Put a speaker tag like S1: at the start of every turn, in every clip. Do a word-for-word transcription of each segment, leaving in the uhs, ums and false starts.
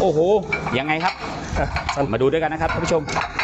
S1: โอ้โหยังไงครับมาดูด้วยกันนะครับท่านผู้ชม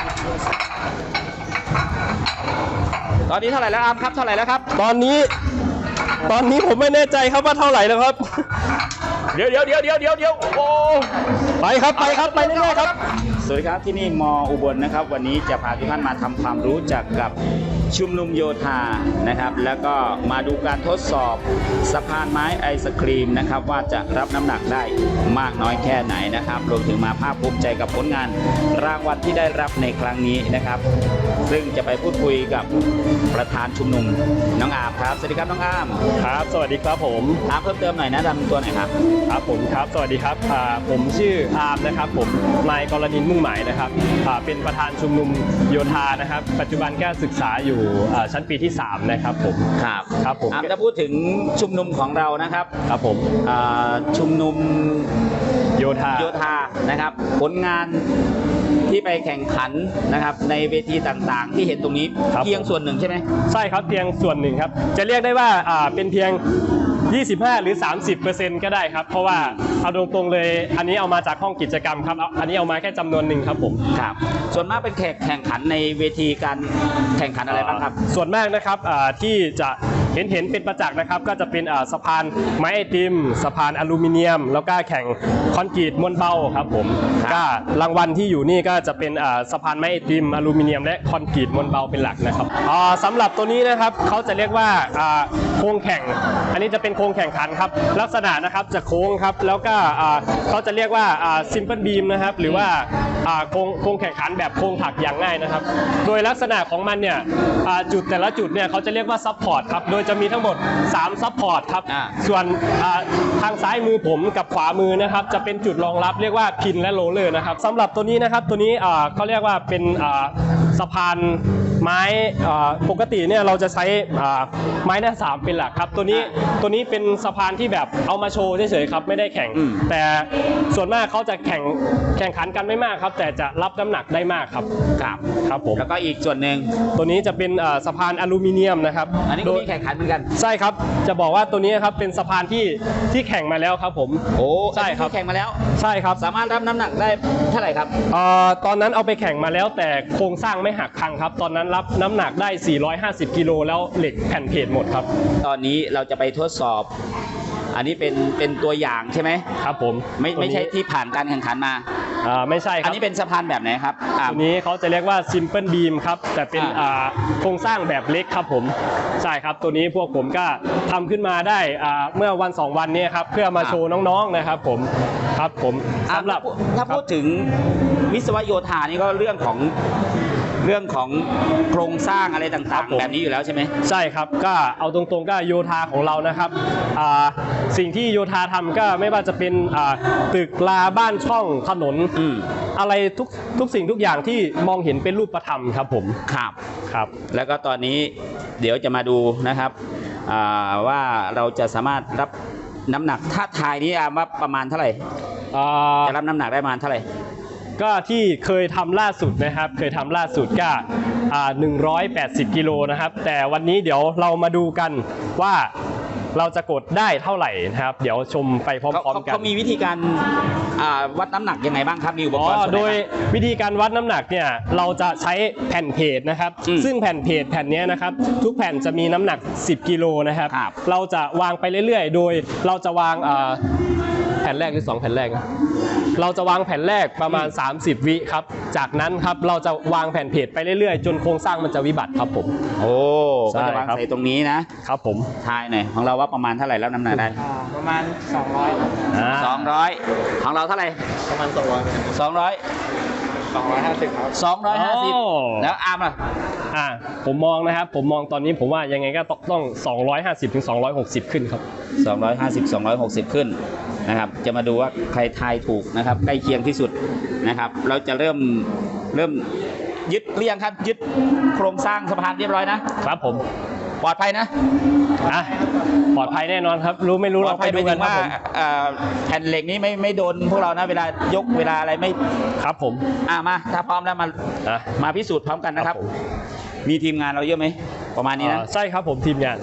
S1: ตอนนี้เท่าไหร่แล้วอาร์มครับเท่าไหร่แล้วครับ
S2: ตอนนี้ตอนนี้ผมไม่แน่ใจครับว่าเท่าไหร่แล้วครับ
S1: เดี๋ยวเดี๋ยวเดี๋ยวเดี๋ยวเดี๋ยวเดี๋ยวโอ้
S2: ไปครับไปครับไปเรื่อยๆครับ
S1: สวัสดีครับที่นี่มออุบลนะครับวันนี้จะพาทุกท่านมาทำความรู้จักกับชุมนุมโยธานะครับแล้วก็มาดูการทดสอบสะพานไม้ไอศครีมนะครับว่าจะรับน้ำหนักได้มากน้อยแค่ไหนนะครับรวมถึงมาภาคภูมิใจกับผลงานรางวัลที่ได้รับในครั้งนี้นะครับซึ่งจะไปพูดคุยกับประธานชุมนุมน้องอาร์มครับสวัสดีครับน้องอาร์ม
S2: ครับสวัสดีครับผม
S1: อาร์มเพิ่มเติมหน่อยนะดำตัวหน่อยครับ
S2: ครับผมครับสวัสดีครับผมชื่ออาร์มนะครับผมนายกรณินทร์มุ่งหมายนะครับเป็นประธานชุมนุมโยธานะครับปัจจุบันก็ศึกษาอยู่ชั้นปีที่สามนะครับผม
S1: ครับ
S2: ครับผม
S1: อาร์มจะพูดถึงชุมนุมของเรานะครับ
S2: ครับผม
S1: ชุมนุม
S2: โยธา
S1: โยธานะครับผลงานที่ไปแข่งขันนะครับในเวทีต่างๆที่เห็นตรงนี้เพียงส่วนหนึ่งใช่ไหม
S2: ใช่ครับเพียงส่วนหนึ่งครับจะเรียกได้ว่าเป็นเพียงยี่สิบห้าหรือ สามสิบเปอร์เซ็นต์ ก็ได้ครับเพราะว่าเอาตรงๆเลยอันนี้เอามาจากห้องกิจกรรมครับอันนี้เอามาแค่จำนวนหนึ่งครับผม
S1: ครับส่วนมากเป็นแข่งขันในเวทีการแข่งขันอะไรบ้างครับ
S2: ส่วนมากนะครับที่จะเห็นเห็นเป็นประจักษ์นะครับก็จะเป็นสะพานไม้ไอติมสะพานอลูมิเนียมแล้วก็แข่งคอนกรีตมวลเบาครับผมก็รางวัลที่อยู่นี่ก็จะเป็นสะพานไม้ไอติมอลูมิเนียมและคอนกรีตมวลเบาเป็นหลักนะครับสำหรับตัวนี้นะครับเขาจะเรียกว่าโค้งแข่งอันนี้จะเป็นโค้งแข่งขันครับลักษณะนะครับจะโค้งครับแล้วก็เขาจะเรียกว่าซิมเปิลบีมนะครับหรือว่าโค้งโค้งแข่งขันแบบโค้งถักอย่างง่ายนะครับโดยลักษณะของมันเนี่ยจุดแต่ละจุดเนี่ยเขาจะเรียกว่าซับพอร์ตครับโดยจะมีทั้งหมดสามซับพอร์ตครับส่วนทางซ้ายมือผมกับขวามือนะครับจะเป็นจุดรองรับเรียกว่าพินและโรลเลอร์นะครับสำหรับตัวนี้นะครับตัวนี้เขาเรียกว่าเป็นสะพานไม้ปกติเนี่ยเราจะใช้ไม้หน้าสามเป็นหลักครับตัวนี้ตัวนี้เป็นสะพานที่แบบเอามาโชว์เฉยๆครับไม่ได้แข่งแต่ส่วนมากเขาจะแข่งแข่งขันกันไม่มากครับแต่จะรับน้ำหนักได้มากครับ
S1: ครับ
S2: ครับผม
S1: แล้วก็อีกส่วนหนึ่ง
S2: ตัวนี้จะเป็นสะพานอลูมิเนียมนะครับ
S1: อันนี้ก็มีแข่งขันเหมือนกัน
S2: ใช่ครับจะบอกว่าตัวนี้ครับเป็นสะพานที่ที่แข่งมาแล้วครับผม
S1: โอ้ใช่ครับแข่งมาแล้ว
S2: ใช่ครับ
S1: สามารถรับน้ำหนักได้เท่าไหร่ครับ
S2: ตอนนั้นเอาไปแข่งมาแล้วแต่โครงสร้างไม่หักพังครับตอนนั้นรับน้ำหนักได้สี่ร้อยห้าสิบกิโลแล้วเหล็กแผ่นเพจหมดครับ
S1: ตอนนี้เราจะไปทดสอบอันนี้เป็นเป็นตัวอย่างใช่ไหม
S2: ครับผม
S1: ไม่ไม่ใช่ที่ผ่านการแข่งขันมา
S2: อ่าไม่ใช่ครับ
S1: อันนี้เป็นสะพานแบบไหนครับ
S2: อันนี้เขาจะเรียกว่าซิมเปิลบีมครับแต่เป็นอ่าโครงสร้างแบบเล็กครับผมใช่ครับตัวนี้พวกผมก็ทำขึ้นมาได้อ่าเมื่อวันสองวันนี้ครับเพื่อมาโชว์น้องๆนะครับผมครับผม
S1: สำหรับถ้าพูดถึงวิศวโยธานี่ก็เรื่องของเรื่องของโครงสร้างอะไรต่างๆแบบนี้อยู่แล้วใช่ไหม
S2: ใช่ครับก็เอาตรงๆก็โยธาของเรานะครับสิ่งที่โยธาทำก็ไม่ว่าจะเป็นตึกลาบ้านช่องถนนอะไรทุกทุกสิ่งทุกอย่างที่มองเห็นเป็นรูปธรรมครับผม
S1: ครับ
S2: ครับ
S1: แล้วก็ตอนนี้เดี๋ยวจะมาดูนะครับว่าเราจะสามารถรับน้ำหนักถ้าทายนี้ว่าประมาณเท่าไหร่จะรับน้ำหนักได้ประมาณเท่าไหร่
S2: ก็ที่เคยทำล่าสุดนะครับเคยทำล่าสุดก็หนึ่งร้อยแปดสิบกิโลนะครับแต่วันนี้เดี๋ยวเรามาดูกันว่าเราจะกดได้เท่าไหร่นะครับเดี๋ยวชมไปพร้อมๆกัน
S1: เขามีวิธีการวัดน้ำหนักยังไงบ้างครับมีอุปกรณ์
S2: โดยวิธีการวัดน้ำหนักเนี่ยเราจะใช้แผ่นเพจนะครับซึ่งแผ่นเพจแผ่นนี้นะครับทุกแผ่นจะมีน้ำหนักสิบกิโลนะครับเราจะวางไปเรื่อยๆโดยเราจะวางแผ่นแรกหรือสองแผ่นแรกเราจะวางแผ่นแรกประมาณสามสิบวิครับจากนั้นครับเราจะวางแผ่นเพจไปเรื่อยๆจนโครงสร้างมันจะวิบัติครับผม
S1: โอ้ก็จะวางใส่ตรงนี้นะครับ
S2: ผม
S1: ทายหน่อยของเราว่าประมาณเท่าไหร่แล้วน้ำหนักได้
S3: ประมาณสองร้อย
S1: สองร้อยของเราเท่าไหร่
S3: ประมาณสองร้อย
S1: สองร้อย
S3: สองร้อยห้าสิบครับ
S1: สองร้อยห้าสิบแล้วอาร์มล่ะ
S2: อ่าผมมองนะครับผมมองตอนนี้ผมว่ายังไงก็ต้องสองร้อยห้าสิบถึงสองร้อยหกสิบขึ้นครับ
S1: สองร้อยห้าสิบ สองร้อยหกสิบขึ้นนะครับจะมาดูว่าใครทายถูกนะครับใกล้เคียงที่สุดนะครับเราจะเริ่มเริ่มยึดเรียงครับยึดโครงสร้างสะพานเรียบร้อยนะครับ
S2: ผม
S1: ปลอดภัยนะ
S2: อ่ะปลอดภัยแน่นอนครับรู้ไม่รู้เราไปดูกันว่า
S1: แผ่นเหล็กนี้ไม่ไม่โดนพวกเรานะเวลายกเวลาอะไรไม่
S2: ครับผม
S1: อ่ะมาถ้าพร้อมแล้วมามาพิสูจน์พร้อมกันนะครับมีทีมงานเราเยอะไหมประมาณนี้นะ
S2: ใช่ครับผมทีมงาน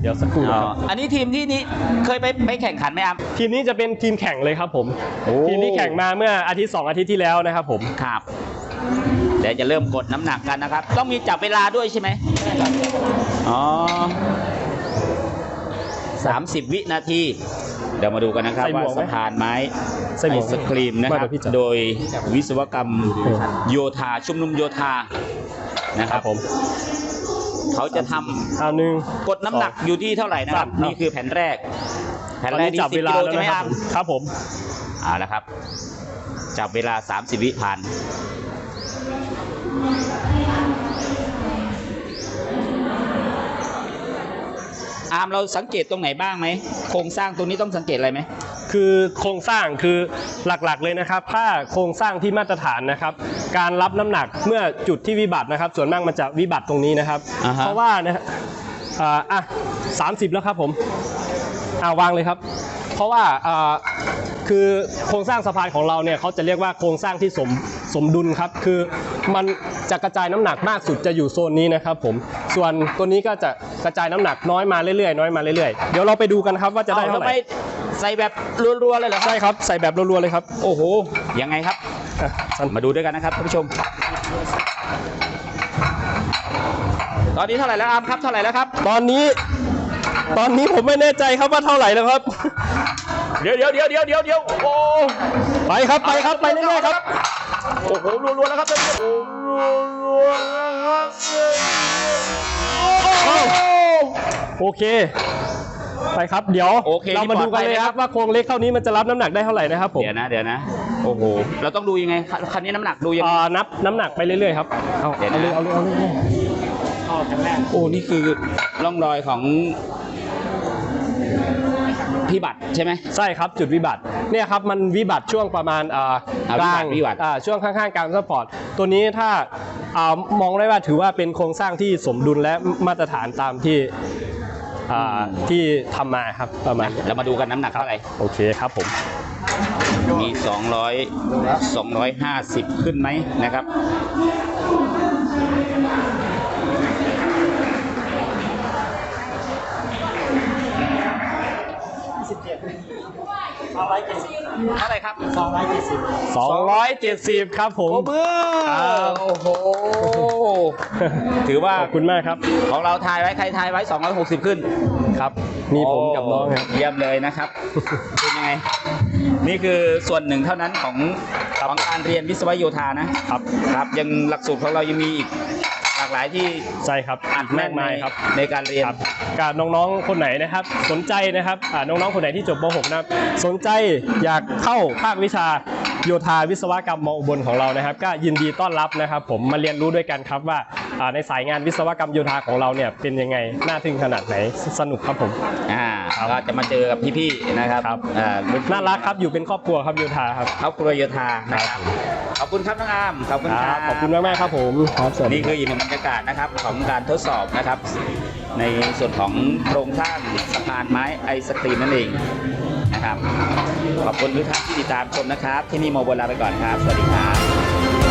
S2: ดี๋ยวสักครู่
S1: อ๋อ
S2: ครับ
S1: อันนี้ทีมที่นี้เคยไปไปแข่งขันไหมครับ
S2: ทีมนี้จะเป็นทีมแข่งเลยครับผม
S1: โอ้
S2: ทีมนี้แข่งมาเมื่ออาทิตย์สองอาทิตย์ที่แล้วนะครับผม
S1: ครับเดี๋ยวจะเริ่มกดน้ำหนักกันนะครับ ต้องมีจับเวลาด้วยใช่ไหมอ๋อสามสิบวินาทีเดี๋ยวมาดูกันนะครับ
S2: ใส่หม
S1: ว่าว
S2: กไหม
S1: สะพานไม้
S2: ใส่หม
S1: ไอ
S2: วก
S1: ศครีมนะค
S2: ไม่
S1: รับ
S2: เดี๋ยวพี่จับ
S1: โดยวิศวกรรมโยธาชุมนุมโยธานะค
S2: ค
S1: รั
S2: รั
S1: บบ
S2: ผม
S1: เขาจะท
S2: เอาหนึ่ง
S1: ำกดน้ำหนักอยู่ที่เท่าไหร่นะครับ
S2: สาม
S1: นี่คือแผ่นแรก แผ่น
S2: ตอน
S1: แรก
S2: นี้
S1: นี่
S2: จับ
S1: สิบ
S2: เว
S1: กิ
S2: ลา
S1: โล
S2: แล้ว
S1: ใช่ไหม
S2: นะค
S1: ค
S2: รั
S1: รั
S2: บบ ผมครับผม
S1: เอาละครับ จับเวลา สามสิบ วิผ่านอาร์มเราสังเกตตรงไหนบ้างไหมโครงสร้างตรงนี้ต้องสังเกตอะไรไหม
S2: คือโครงสร้างคือหลักๆเลยนะครับ ถ้าโครงสร้างที่มาตรฐานนะครับ การรับน้ำหนักเมื่อจุดที่วิบัตินะครับ ส่วนมากมันจะวิบัติตรงนี้นะครับ
S1: อ่าฮะ
S2: เพราะว่านะฮะอ่าอ่ะสามสิบแล้วครับผมอ่าวางเลยครับ เพราะว่าอ่าคือโครงสร้างสะพานของเราเนี่ยเขาจะเรียกว่าโครงสร้างที่สมสมดุลครับ คือมันจะกระจายน้ำหนักมากสุดจะอยู่โซนนี้นะครับผมส่วนตัวนี้ก็จะกระจายน้ำหนักน้อยมาเรื่อยๆน้อยมาเรื่อยๆเดี๋ยวเราไปดูกันครับว่าจะได้เท่าไหร่
S1: อแล้วม่ใส่แบบรัวๆเลยเหรอครับ
S2: ใช่ครับใส่แบบรัวๆเลยครับ
S1: โอ้โห ยังไงครับ
S2: อ่ะสั้น
S1: มาดูด้วยกันนะครับท่านผู้ชม ตอนนี้เท่าไหร่แล้วอาร์มครับ เท่าไหร่แล้วครับ
S2: ตอนนี้ ตอนนี้ผมไม่แน่ใจครับว่าเท่าไหร่แล้วครับ
S1: เดี๋ยวเดี๋ยวเดี๋ยวเดี๋ยวเดี๋ยวเดี๋ยวโอ้
S2: ไปครับไปครับไปเรื่อยๆครับ
S1: โอ้โหรัวๆแล้วครับท่านผู้ชมโอ้โห
S2: โอเค ไปครับเดี๋ยว
S1: โอเค
S2: เรามาดูกันเลยครับว่าโครงเล็กเท่านี้มันจะรับน้ำหนักได้เท่าไหร่นะครับผม
S1: เดี๋ยวนะ เดี๋ยวนะ โอ้โห เราต้องดูยังไง คันนี้น้ำหนักดูยังไง
S2: อ่านับน้ำหนักไปเรื่อยๆครับเอา
S1: เดี๋ยวนะ
S2: เอาเลยเอาเลยเอาเลย
S3: เอาแผ่นแรก
S1: โอ้ นี่คือร่องรอยของพี่บัตรใช่ไหม
S2: ใช่ครับจุดวิบัติเนี่ยครับมันวิบัติช่วงประมาณอ่า
S1: อ่าก
S2: ลาง
S1: วิบัติ
S2: อ่าช่วงข้างๆกลางซัพพอร์ตตัวนี้ถ้าอ่ามองได้ว่าถือว่าเป็นโครงสร้างที่สมดุลและมาตรฐานตามที่อ่าที่ทำมาครับประมาณนี้
S1: เรามาดูกันน้ำหนักเท่าไหร่
S2: โอเคครับผม
S1: มีสองร้อย สองร้อยห้าสิบขึ้นไหมนะครับ
S3: สิบเจ็ดสองร้อยเจ็ดสิบ
S1: เท่าไหร่ครับ
S3: สองร้อยเจ็ดสิบ
S2: สองร้อยเจ็ดสิบครับผม
S1: โอ้เบื้อ
S2: ครับ
S1: โอ้โห ถือว่า
S2: ขอบคุณมากครับ
S1: ของเราทายไว้ ใครทายไว้ สองร้อยหกสิบ ขึ้น
S2: ครับ มีผมกับน้องครับ
S1: เยี่ยมเลยนะครับ เป็นยังไง นี่คือส่วนหนึ่งเท่านั้นของของการเรียนวิศวโยธานะครับ ครับยังหลักสูตรของเรายังมีอีกหลากหลายที่
S2: ใช่ครับ
S1: อัดแน่น
S2: มาก
S1: ใน
S2: มายครับ
S1: ในการเรียน
S2: ครับกับน้องๆคนไหนนะครับ สนใจนะครับอ่าน้องๆคนไหนที่จบม หก นะครับสนใจอยากเข้าภาควิชาโยธาวิศวกรรมมอุบลของเรานะครับ ก็ยินดีต้อนรับนะครับ ผมมาเรียนรู้ด้วยกันครับว่าอ่าในสายงานวิศวกรรมโยธาของเราเนี่ยเป็นยังไงน่าทึ่งขนาดไหนสนุกครับผม
S1: อ่าก็จะมาเจอกับพี่ๆนะครับ
S2: ครับ
S1: อ่ารุ่พี่
S2: น่ารักครับอยู่เป็นครอบครัวครับโยธาครับ
S1: ครอบครัวโยธานะครับขอบคุณครับน้องอามขอบคุณ
S2: ค
S1: ค
S2: รั
S1: รั
S2: บบ ขอบคุณมากๆครับผมครับสวัสดี
S1: นี่คืออีกหนึ่งบรรยากาศนะครับของการทดสอบนะครับ ในส่วนของโครงสร้างสะพานไม้ไอศครีมนั่นเองนะครับขอบคุณทุกท่านที่ติดตามชมนะครับ ที่นี่โมโบลาไปก่อนครับ สวัสดีครับ